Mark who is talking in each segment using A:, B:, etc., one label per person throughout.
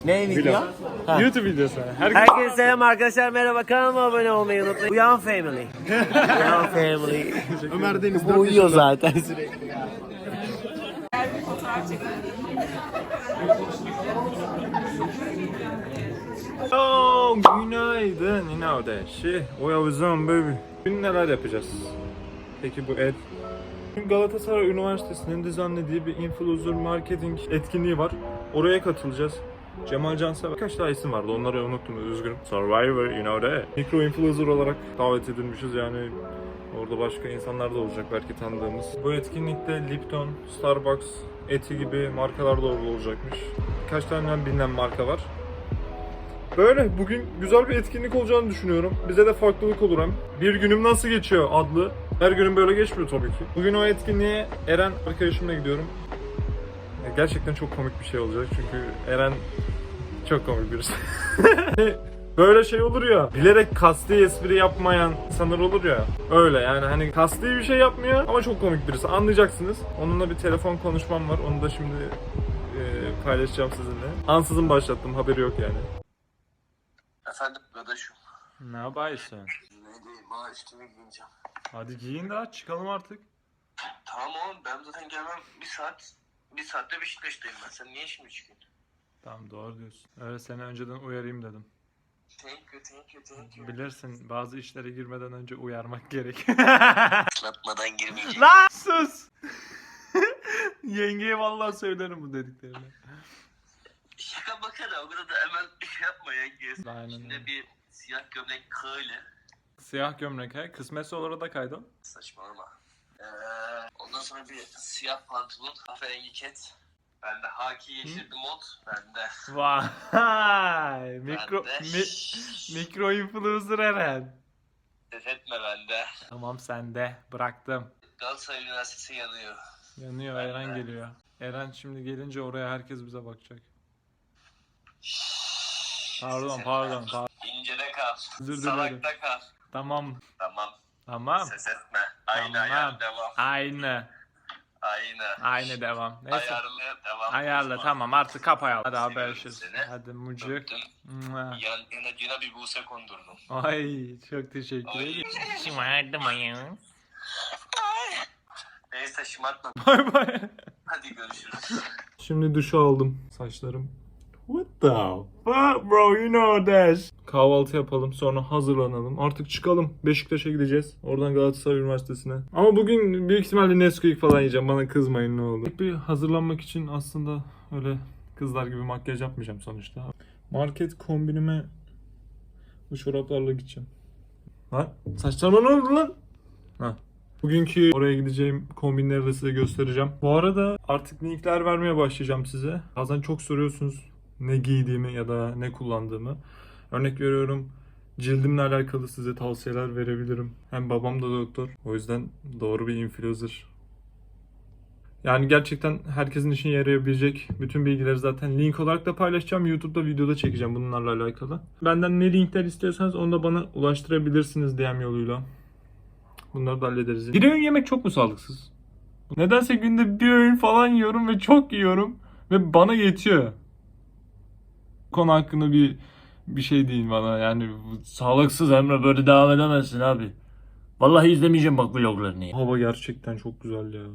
A: Ne video? Ha.
B: YouTube videosu.
A: Herkese selam arkadaşlar, merhaba, kanalıma abone olmayı unutmayın. Uyan Family. Uyan Family.
B: Ömer Deniz
A: Bu uyuyor zaten sürekli.
B: Oh, günaydın inavdeşi. Oyavuzum baby. Bugün neler yapacağız? Peki bu Bugün Galatasaray Üniversitesi'nin düzenlediği bir influencer marketing etkinliği var. Oraya katılacağız. Cemal Cansever, birkaç daha isim vardı, onları unuttum, üzgünüm. Survivor, you know that. Mikro influencer olarak davet edilmişiz, yani orada başka insanlar da olacak belki tanıdığımız. Bu etkinlikte Lipton, Starbucks, Eti gibi markalar da olacakmış. Birkaç tane bilinen marka var. Böyle bugün güzel bir etkinlik olacağını düşünüyorum. Bize de farklılık olur hem. Bir günüm nasıl geçiyor adlı. Her günüm böyle geçmiyor tabii ki. Bugün o etkinliğe Eren arkadaşımla gidiyorum. Gerçekten çok komik bir şey olacak çünkü Eren çok komik birisi. Böyle şey olur ya, bilerek kasti espri yapmayan insanlar olur ya. Öyle yani, hani kasti bir şey yapmıyor ama çok komik birisi. Anlayacaksınız. Onunla bir telefon konuşmam var. Onu da şimdi paylaşacağım sizinle. Ansızın başlattım, haberi yok yani.
C: Efendim kardeşim.
B: Ne yapıyorsun?
C: Ne diyeyim ha, üstümü giyineceğim.
B: Hadi giyin daha çıkalım artık.
C: Tamam oğlum, ben zaten gelmem bir saat. Bir saatte Beşiktaş'tayım ben. Sen niye şimdi çıkıyorsun?
B: Tamam, doğru diyorsun. Öyle seni önceden uyarayım dedim.
C: Thank you.
B: Bilirsin, bazı işlere girmeden önce uyarmak gerek.
C: Islatmadan girmeyeceğim.
B: Lan sus! Yengeye vallahi söylerim bu dediklerini.
C: Şaka makara, o kadar da hemen şey yapma ya.
B: Aynen öyle.
C: Şimdi bir siyah gömlek kığıyla.
B: Siyah gömlek he? Kısmetse olur da kaydol.
C: Saçmalama. Ondan sonra bir siyah pantolon, kahverengi ket. Bende haki yeşil bir mod. Bende.
B: Vay! Mikro,
C: Bende.
B: mikro influencer Eren.
C: Ses etme bende.
B: Tamam, sende. Bıraktım.
C: Galatasaray Üniversitesi yanıyor.
B: Yanıyor, Eren geliyor. Eren şimdi gelince oraya herkes bize bakacak. Pardon.
C: İncede kal.
B: Özür dilerim.
C: Salakta kal.
B: Tamam.
C: Tamam. Ses etme. Aynı ayar devam.
B: Aynı devam. Neyse.
C: Ayarlı devam.
B: Ayarla, tamam, artık kap ayarla. Hadi
C: Seviyorum
B: haberleşiriz.
C: seni.
B: Hadi mucuk.
C: Öptüm.
B: Mua.
C: Yanına bir buse kondurdum.
B: Ay, çok teşekkür
C: Ay.
B: ederim. Şımardım ayağım.
C: Neyse şımartma.
B: Bay bay.
C: Hadi görüşürüz.
B: Şimdi duşu aldım. Saçlarım. What the fuck bro, you know that. Kahvaltı yapalım, sonra hazırlanalım. Artık çıkalım. Beşiktaş'a gideceğiz. Oradan Galatasaray Üniversitesi'ne. Ama bugün büyük ihtimalle Nesquik falan yiyeceğim. Bana kızmayın ne olur. Bir hazırlanmak için aslında öyle kızlar gibi makyaj yapmayacağım sonuçta. Market kombinime bu çoraplarla gideceğim. Lan saçlarıma ne oldu lan? Ha. Bugünkü oraya gideceğim kombinleri de size göstereceğim. Bu arada artık linkler vermeye başlayacağım size. Bazen çok soruyorsunuz ne giydiğimi ya da ne kullandığımı. Örnek veriyorum, cildimle alakalı size tavsiyeler verebilirim. Hem babam da doktor. O yüzden doğru bir influencer. Yani gerçekten herkesin işine yarayabilecek bütün bilgileri zaten link olarak da paylaşacağım. YouTube'da videoda çekeceğim bunlarla alakalı. Benden ne linkler istiyorsanız onu da bana ulaştırabilirsiniz DM yoluyla. Bunları da hallederiz. Bir öğün yemek çok mu sağlıksız? Nedense günde bir öğün falan yiyorum ve çok yiyorum. Ve bana yetiyor. Konu hakkında bir şey değil bana. Yani
D: Sağlıksız Emre, böyle devam edemezsin abi. Vallahi izlemeyeceğim bak vloglarını ya.
B: hava gerçekten çok güzel ya.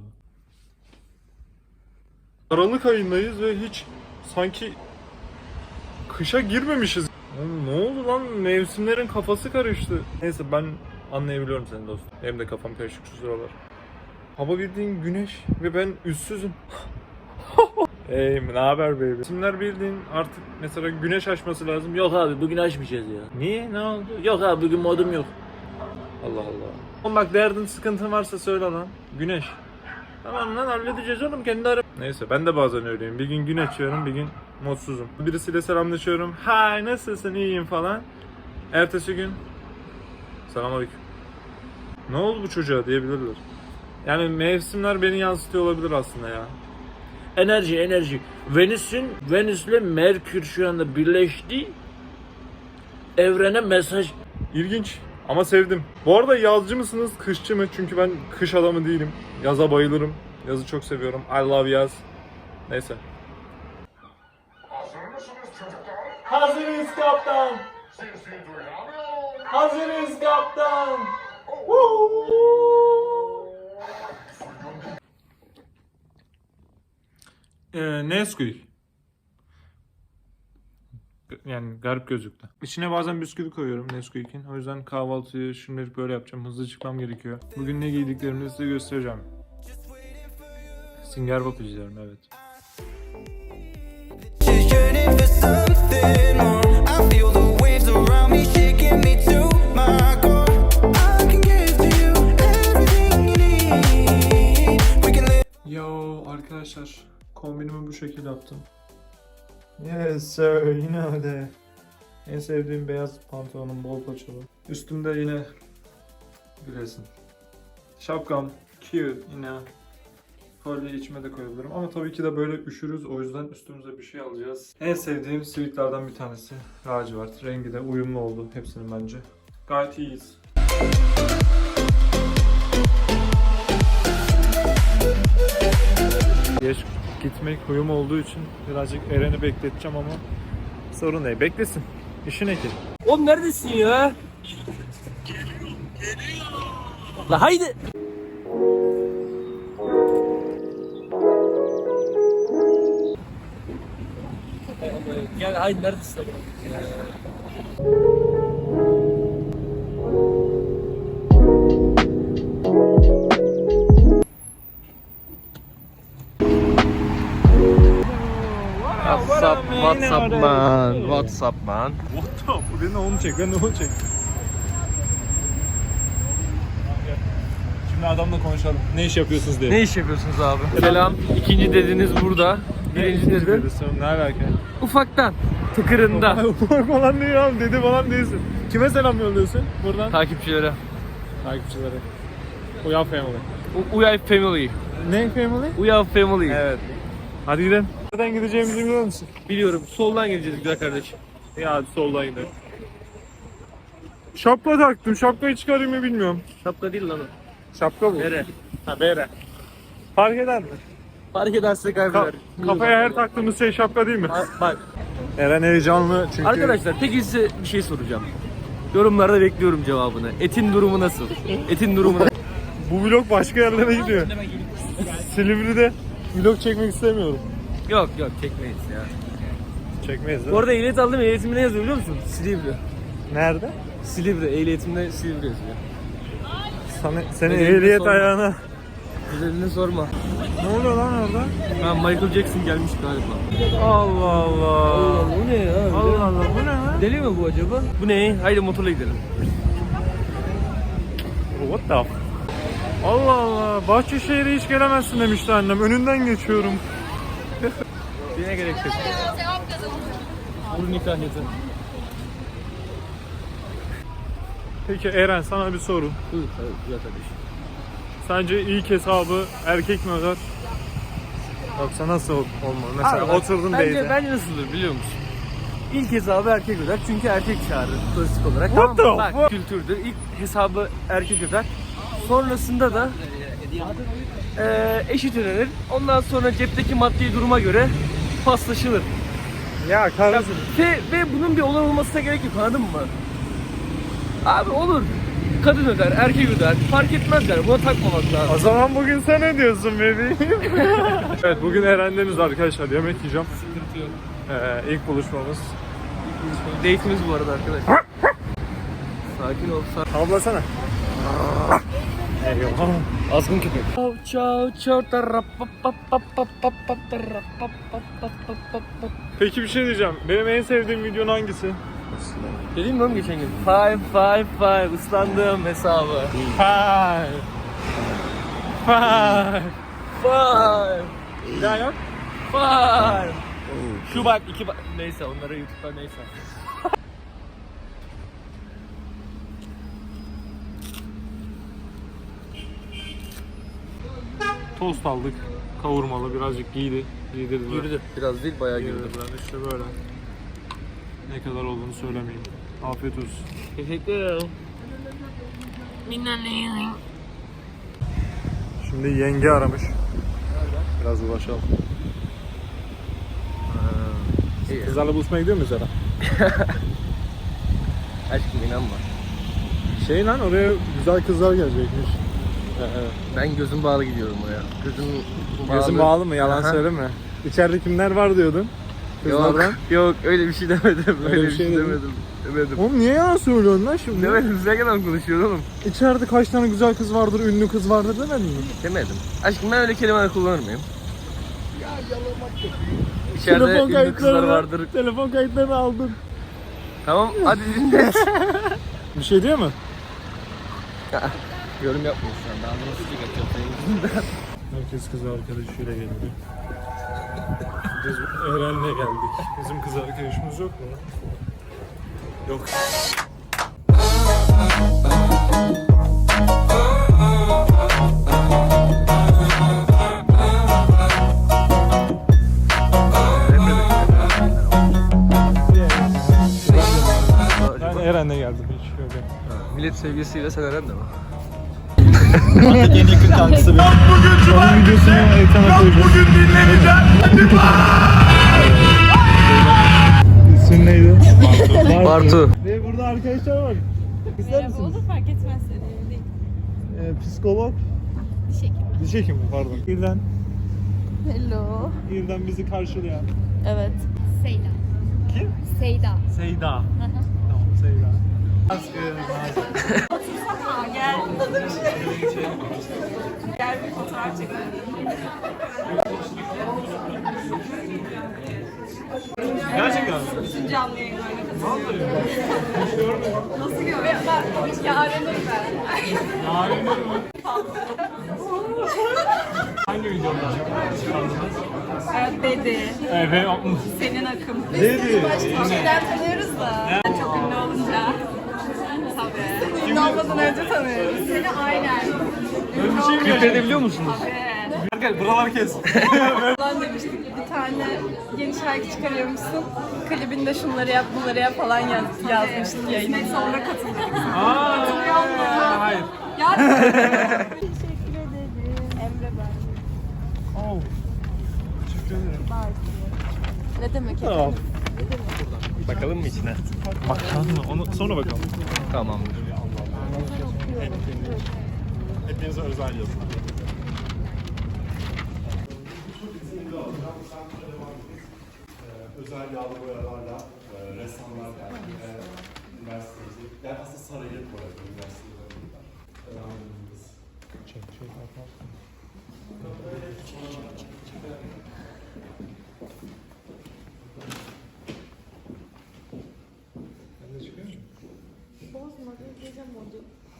B: Aralık ayındayız ve hiç sanki kışa girmemişiz. Oğlum, ne oldu lan? Mevsimlerin kafası karıştı. Neyse, ben anlayabiliyorum seni dostum. Benim de kafam karışık şu sıralar. Hava bildiğin güneş ve ben üstsüzüm. Hey, ne haber baby? İsimler bildiğin artık mesela güneş açması lazım.
D: Yok abi, bugün açmayacağız ya.
B: Niye? Ne oldu?
D: Yok abi, bugün modum yok.
B: Allah Allah. Oğlum bak, derdin sıkıntın varsa söyle lan. Güneş. Tamam lan, halledeceğiz oğlum kendi ara. Neyse, ben de bazen öyleyim. Bir gün gün açıyorum, bir gün mutsuzum. Birisiyle selamlaşıyorum. Hay, nasılsın, iyiyim falan. Ertesi gün selamünaleyküm. Ne oldu bu çocuğa diyebilirler. Yani mevsimler beni yansıtıyor olabilir aslında ya.
D: Enerji. Venüs'le Merkür şu anda birleşti. Evrene mesaj.
B: İlginç ama sevdim. Bu arada yazcı mısınız, kışçı mı? Çünkü ben kış adamı değilim. Yaza bayılırım. Yazı çok seviyorum. I love yaz. Neyse.
E: Hazır mısınız çocuklar?
B: Hazırız kaptan. Hazırız kaptan. Nesquik. Yani garip gözüktü. İçine bazen bisküvi koyuyorum Nesquik'in. O yüzden kahvaltıyı şimdilik böyle yapacağım. Hızlı çıkmam gerekiyor. Bugün ne giydiklerimi size göstereceğim. Singer Pop izliyorum, evet.
E: Just yearning for something more. I feel the waves around me shaking me to my core. I can give to you everything you need. We can live.
B: Yo arkadaşlar, kombinimi bu şekilde yaptım. Yes sir, you know that. En sevdiğim beyaz pantolonum, bol paçalı. Üstümde yine bir resim. Şapkam cute yine. Kolye içime de koyabilirim ama tabii ki de böyle üşürüz, o yüzden üstümüze bir şey alacağız. En sevdiğim sweatlerden bir tanesi lacivert. Rengi de uyumlu oldu hepsinin bence. Gayet iyiyiz. Geç gitmek huyum olduğu için birazcık Eren'i bekleteceğim ama sorun değil. Beklesin. İşi ne ki?
A: Oğlum neredesin ya? La haydi. Gel haydi neredesin? WhatsApp man.
B: What up? Ben de onu çek, ben de onu çek. Şimdi adamla konuşalım. Ne iş yapıyorsunuz diye.
A: Ne iş yapıyorsunuz abi? Selam. İkinci dediniz burada. Birinci dedi.
B: Ne alaka?
A: Ufaktan. Tıkırında.
B: Ufak falan değil abi, dede falan değilsin. Kime selam yolluyorsun buradan?
A: Takipçilere.
B: Takipçilere. Uyan Family.
A: Uyay Family.
B: Ne Family?
A: Uyav Family.
B: Evet. Hadi gidelim. Nereden gideceğimizi biliyor musun?
A: Biliyorum. Soldan gideceğiz güzel kardeşim.
B: Ya hadi soldan gidelim. Şapka taktım. Şapkayı çıkarayım mı bilmiyorum.
A: Şapka değil lan o.
B: Şapka bu.
A: Nere?
B: Ha bere. Fark eder mi?
A: Fark ederse kaybeder.
B: Kafaya her taktığımız şey şapka değil mi?
A: Bak.
B: Eren heyecanlı çünkü.
A: Arkadaşlar peki size bir şey soracağım. Yorumlarda bekliyorum cevabını. Etin durumu nasıl? Etin durumu nasıl?
B: Bu vlog başka yerlere gidiyor. Silivri'de vlog çekmek istemiyorum.
A: Yok çekmeyiz ya.
B: Çekmeyiz değil
A: Bu
B: mi?
A: arada ehliyet aldım. Ehliyetimde ne yazıyor biliyor musun? Silivri.
B: Nerede?
A: Silivri. Ehliyetimde Silivri yazıyor.
B: Senin
A: Ehliyet
B: ehliyet
A: sorma.
B: ayağına.
A: Güzelini sorma.
B: Ne oluyor lan orada?
A: Ha, Michael Jackson gelmiş galiba.
B: Allah Allah.
A: Bu ne ya?
B: Allah Allah, bu ne lan?
A: Deli mi bu acaba? Bu ne? Haydi motorla gidelim.
B: What the f- Allah Allah. Bahçeşehir'e hiç gelemezsin demişti annem. Önünden geçiyorum.
A: Dine gerek yok. Bu nikah yeter.
B: Peki Eren, sana bir soru.
A: Buyur kardeşim.
B: Sence ilk hesabı erkek mi öder? Yoksa nasıl olmalı? Mesela
A: Abi bak,
B: oturdun date'e.
A: bence nasıldır biliyor musun? İlk hesabı erkek öder çünkü erkek çağırır klasik olarak.
B: What
A: Tamam mı?
B: the
A: Bak kültürdür. İlk hesabı erkek öder. Sonrasında da eşit ödenir. Ondan sonra cepteki maddi duruma göre paslaşılır.
B: Ya kardeşim.
A: Ve bunun bir olay olmasına gerek yok, anladın mı? Abi olur. Kadın öder, erkek öder. Fark etmez yani. Buna takmamak lazım.
B: O zaman bugün sen ne diyorsun bebeğim? Evet, bugün Eren'deniz arkadaşlar. Yemek yiyeceğim.
A: Sıkıntı yok.
B: İlk buluşmamız.
A: Date'imiz bu arada arkadaşlar. Sakin ol.
B: Havlasana. Eyvallah.
A: Azgın köpek. Ciao ciao.
B: Peki bir şey diyeceğim. Benim en sevdiğim videon hangisi?
A: Dedim mi oğlum geçen gün? 5 ıslandım hesabı.
B: 5. 5.
A: 5
B: Bir daha yok.
A: 5 Şu bak 2 bak. Neyse onlara YouTube'da neyse.
B: Tost aldık. Kavurmalı, birazcık giydirdiler.
A: Yürüdü. Biraz değil bayağı yürüdü.
B: Giydirdiler. İşte böyle. Ne kadar olduğunu söylemeyeyim. Afiyet olsun.
A: Teşekkür ederim.
B: Şimdi yenge aramış. Biraz ulaşalım.
A: şey ya.
B: Kızlarla buluşmaya gidiyor muyuz ara?
A: Aşkım inanma.
B: Şey lan oraya güzel kızlar gelecekmiş.
A: Ben gözüm bağlı gidiyorum oraya.
B: Gözün bağlı mı? Yalan
A: Aha.
B: söyleme. İçeride kimler var diyordun? Kızlardan.
A: Yok öyle bir şey demedim.
B: Öyle bir şey dedin.
A: Demedim.
B: Oğlum niye yalan söylüyorsun lan şimdi?
A: Demedim. Sen kadar konuşuyorsun oğlum.
B: İçeride kaç tane güzel kız vardır, ünlü kız vardır demedin mi?
A: Demedim. Aşkım ben öyle kelimeler kullanır mıyım? İçeride
B: Telefon
A: ünlü kızlar
B: kayıtlarını,
A: vardır.
B: telefon kayıtlarını aldım.
A: Tamam hadi dinle.
B: Bir şey diyor mu?
A: Yorum yapmıyorsun şu anda. Anlamı sıkıntı yapıyorum senin yüzünden.
B: Herkes kız arkadaşıyla geldi. Biz Eren'le geldik. Bizim kız arkadaşımız yok mu? Yok. Ben Eren'le geldim hiç öyle.
A: Millet sevgilisiyle sen öğren de mi?
B: En yakın kankısı benim. Onun videosunu ekrana koyacağım. Bugün dinleneceğim. İsmin neydi?
A: Bartu.
B: Ve burada arkadaşlar var. İster misiniz?
F: Olur fark etmez önemli değil.
B: Psikolog.
F: Diş hekimi.
B: Diş hekimi pardon. İrden.
F: Hello.
B: İrden bizi karşılayan.
F: Evet. Seyda.
B: Kim?
F: Seyda.
B: Seyda. Tamam Seyda.
F: Gel. Gel bir fotoğraf çekelim.
B: Gerçekten.
F: Bütün canlı yayınlarına katılıyorum. Nasıl görüyor? Yaren'im ben.
B: Hangi videoda çıkardınız?
F: Dedi.
B: Evet.
F: Senin akım.
B: Dedi.
F: Şeyden tanıyoruz da. Ben çok ünlü olunca. Tabii. Ünlü olmadan önce tanıyoruz. Seni aynen.
B: Öyle bir şey mi
A: Klip
B: gerçekten?
A: edebiliyor musunuz?
F: Tabii.
B: Gel buralar kes.
F: Falan demiştik. Bir tane yeni şarkı çıkarıyormuşsun. Klibinde şunları yap, bunları yap falan yazmıştık yayına. Sonra katıldık.
B: Hayır.
F: Teşekkür ederim. Emre ben.
B: Oh. Teşekkür ederim.
F: Ne demek?
B: Tamam.
A: Bakalım mı içine?
B: Bakalım mı? Onu sonra bakalım.
A: Tamamdır.
B: Hepinize özel yazın.
G: Özel yağlı boyalarla ressamlar üniversiteci. Yani aslında Sarayı boyadı üniversitelerinde.
B: Çek. Ben de çıkıyor muyum?
F: Bozma, gece modu.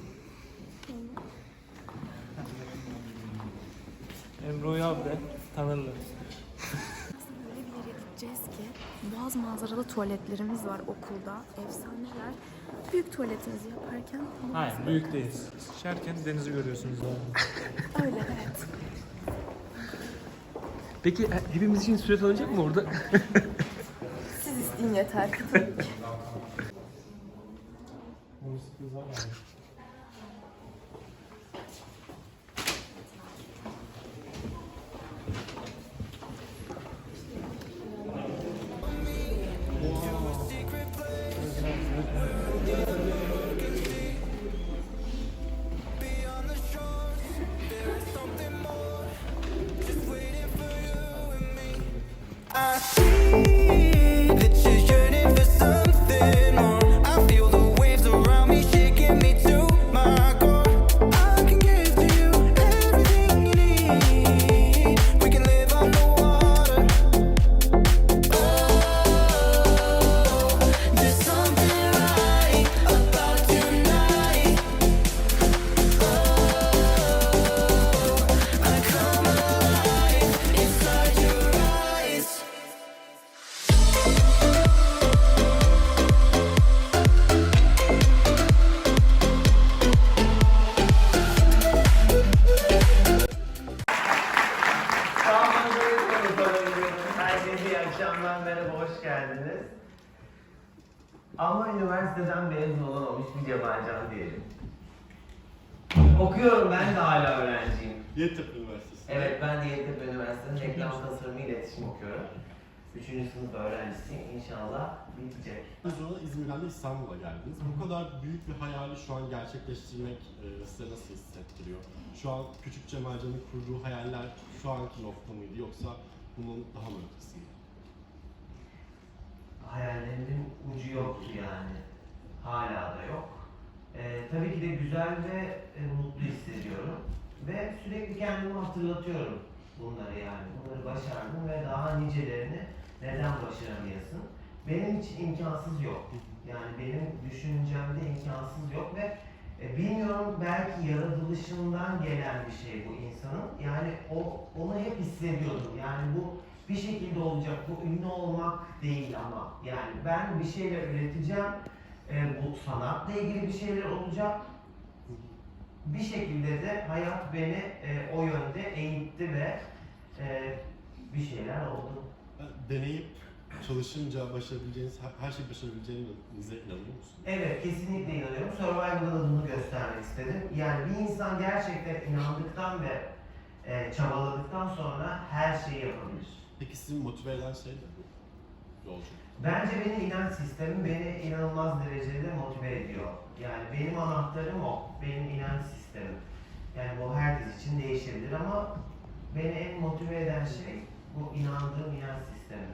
B: Emre abi de tanırlar.
H: Öyle bir yere gideceğiz ki boğaz manzaralı tuvaletlerimiz var okulda. Efsaneler. Büyük tuvaletinizi yaparken
B: Hayır, büyük değil. Şerken denizi görüyorsunuz abi.
H: öyle evet.
A: Peki hepimiz için süre alınacak mı orada?
H: Siz isteyin yeter.
E: I see that you're yearning for something more. I feel the waves around me shaking me to my core. I can give to you everything you need. We can live on the water. Oh, there's something right about tonight. Oh, I come alive inside your eyes.
I: Herkese iyi akşamlar, merhaba, hoş geldiniz. Ama üniversiteden mezun olamamış bir Cemalcan diyelim. Okuyorum, ben de hala öğrenciyim.
G: Yeditepe Üniversitesi.
I: Evet, ben de Yeditepe Üniversitesi'nin reklam tasarımı iletişim okuyorum. 3. sınıf öğrencisiyim. İnşallah bitecek.
G: Sonra İzmir'den de İstanbul'a geldiniz. Bu kadar büyük bir hayali şu an gerçekleştirmek size nasıl hissettiriyor? Şu an küçük Cemalcan'ın kurduğu hayaller şu anki nokta mıydı yoksa bunun daha mı ötesinde?
I: Hayallerimin ucu yoktu yani. Hala da yok. Tabii ki de güzel ve mutlu hissediyorum. Ve sürekli kendimi hatırlatıyorum bunları yani. Bunları başardım ve daha nicelerini neden başaramayasın? Benim için imkansız yok. Yani benim düşüncemde imkansız yok ve bilmiyorum, belki yaratılışından gelen bir şey bu insanın. Yani onu hep hissediyordum. Yani bu bir şekilde olacak. Bu ünlü olmak değil ama. Yani ben bir şeyler üreteceğim. Bu sanatla ilgili bir şeyler olacak. Bir şekilde de hayat beni o yönde eğitti ve bir şeyler oldu.
G: Deneyip çalışınca başarabileceğiniz, her şeyi başarabileceğinize inanıyor musunuz?
I: Evet, kesinlikle inanıyorum. Survival'da da bunu göstermek istedim. Yani bir insan gerçekten inandıktan ve çabaladıktan sonra her şeyi yapabilir.
G: Peki sizi motive eden şey ne bu yolculuk?
I: Bence benim inanç sistemim beni inanılmaz derecede motive ediyor. Yani benim anahtarım o, benim inanç sistemim. Yani bu herkes için değişebilir ama beni en motive eden şey bu inandığım inanç sistemi.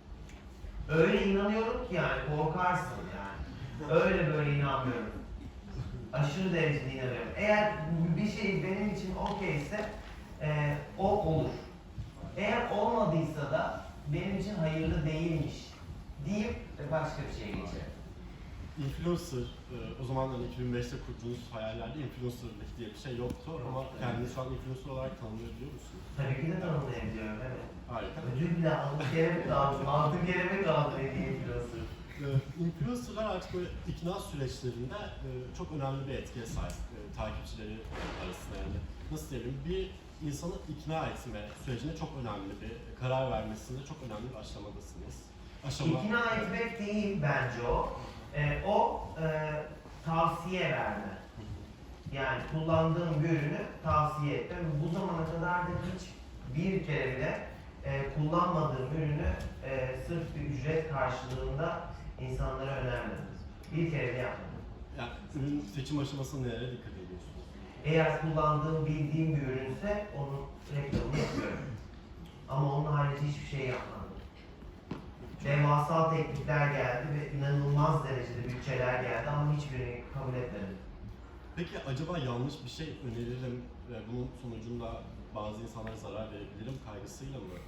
I: Öyle inanıyorum ki yani korkarsın yani. Öyle böyle inanmıyorum. Aşırı derecede inanıyorum. Eğer bir şey benim için okeyse o olur. Eğer olmadıysa da benim için hayırlı değilmiş deyip başka bir şeye geçerim.
G: Influencer, o zaman hani 2005'te kurduğunuz hayallerde influencerlık diye bir şey yoktu ama kendinizi şu an influencer olarak tanımlayabiliyor musunuz?
I: Tabii ki de tanımlayabiliyorum, evet.
G: Harika.
I: Ödül bile aldım, kere mi kaldım, 6 kere mi kaldım dediği influencer.
G: Influencerlar artık böyle ikna süreçlerinde çok önemli bir etkiye sahip takipçileri arasında. Yani nasıl diyelim, bir insanı ikna etme sürecinde çok önemli bir karar vermesinde çok önemli bir aşamadasınız.
I: İkna etmek değil bence o. Tavsiye verme. Yani kullandığım bir ürünü tavsiye etme. Bu zamana kadar da hiç bir kere bile kullanmadığım ürünü sırf bir ücret karşılığında insanlara önermedim. Bir kere bile yapmadım.
G: Yani ürün seçim aşamasında nelere dikkat ediyorsunuz?
I: Eğer kullandığım, bildiğim bir ürünse onun reklamını yapıyorum. Ama onun harici hiçbir şey yapmadım. Devasa teklifler geldi ve inanılmaz derecede bütçeler geldi ama hiçbirini kabul etmedim.
G: Peki acaba yanlış bir şey öneririm ve bunun sonucunda bazı insanlara zarar verebilirim kaygısıyla mı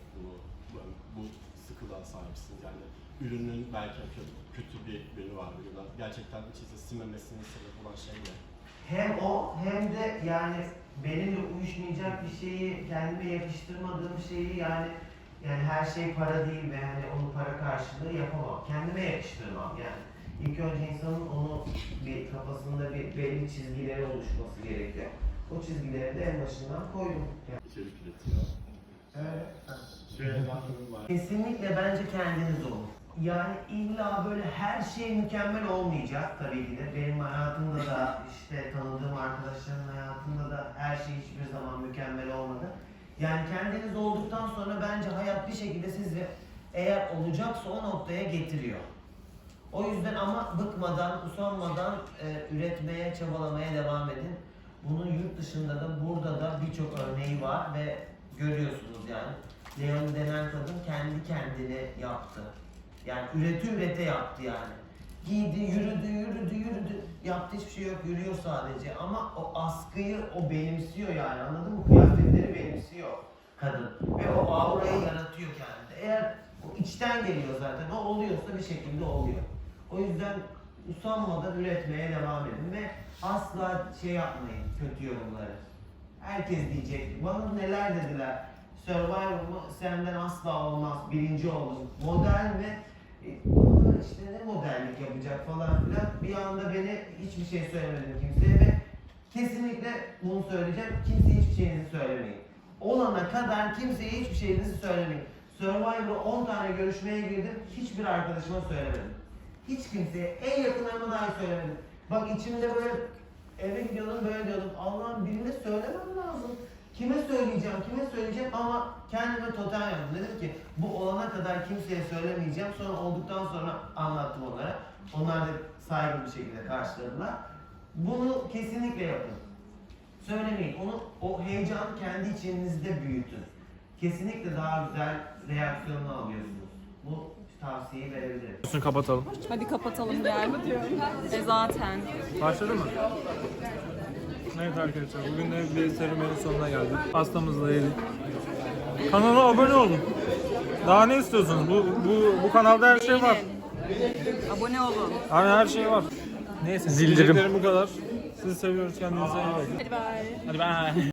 G: bu sıkılığa sahipsiniz? Yani ürünün belki kötü bir ürünü var ya da gerçekten içinize sinmemesine sebep olan şey ne?
I: Hem o hem de yani benimle uyuşmayacak bir şeyi, kendime yakıştırmadığım şeyi yani her şey para değil ve hani onu para karşılığı yapamam. Kendime yakıştırmam yani. İlk önce insanın onu bir kafasında bir belli çizgileri oluşması gerekiyor. O çizgileri de en başından koydum. Yani.
G: İçerik üretiyor.
I: Evet.
G: Şöyle bir aklım var.
I: Kesinlikle bence kendiniz olun. Yani illa böyle her şey mükemmel olmayacak tabii ki de. Benim hayatımda da işte tanıdığım arkadaşlarımın hayatında da her şey hiçbir zaman mükemmel olmadı. Yani kendiniz olduktan sonra bence hayat bir şekilde sizi eğer olacaksa o noktaya getiriyor. O yüzden ama bıkmadan, usanmadan üretmeye, çabalamaya devam edin. Bunun yurt dışında da burada da birçok örneği var ve görüyorsunuz yani. Leon denen kadın kendi kendine yaptı. Yani ürete yaptı yani. Giydi, yürüdü. Yaptı, hiçbir şey yok, yürüyor sadece. Ama o askıyı o benimsiyor yani, anladın mı? Kıyafetleri benimsiyor kadın. Ve o aurayı yaratıyor kendinde. Eğer o içten geliyor zaten, o oluyorsa bir şekilde oluyor. O yüzden usanmadan üretmeye devam edin ve asla şey yapmayın, kötü yorumları. Herkes diyecek, bana neler dediler. Survivor mı senden asla olmaz, birinci oldun. Model mi? İşte ne modellik yapacak falan filan. Bir anda beni hiçbir şey söylemedim kimseye ve kesinlikle bunu söyleyeceğim. Kimseye hiçbir şeyinizi söylemeyin. Olana kadar kimseye hiçbir şeyinizi söylemeyin. Survivor'a 10 tane görüşmeye girdim. Hiçbir arkadaşıma söylemedim. Hiç kimseye, en yakınlarıma dahi söylemedim. Bak içimde böyle eve gidiyordum, böyle diyordum. Allah'ım birine söylemem lazım. kime söyleyeceğim ama kendime totem yaptım. Dedim ki bu olana kadar kimseye söylemeyeceğim. Sonra olduktan sonra anlattım onlara. Onlar da saygılı bir şekilde karşıladılar. Bunu kesinlikle yapın. Söylemeyin. O heyecanı kendi içinizde büyütün. Kesinlikle daha güzel reaksiyonunu alıyorsunuz. Bu tavsiyeyi verebilirim.
B: Üstünü kapatalım.
F: Hadi kapatalım gel. Zaten.
B: Başladı mı? Evet arkadaşlar, bugün de bir serüvenin sonuna geldik. Pastamızı yedik. Kanala abone olun. Daha ne istiyorsunuz? Bu kanalda her şey var.
F: Abone olun.
B: Hani her şey var. Neyse, diyeceklerim bu kadar. Sizi seviyoruz, kendinize iyi bakın.
F: Hadi bye.
B: Hadi bye.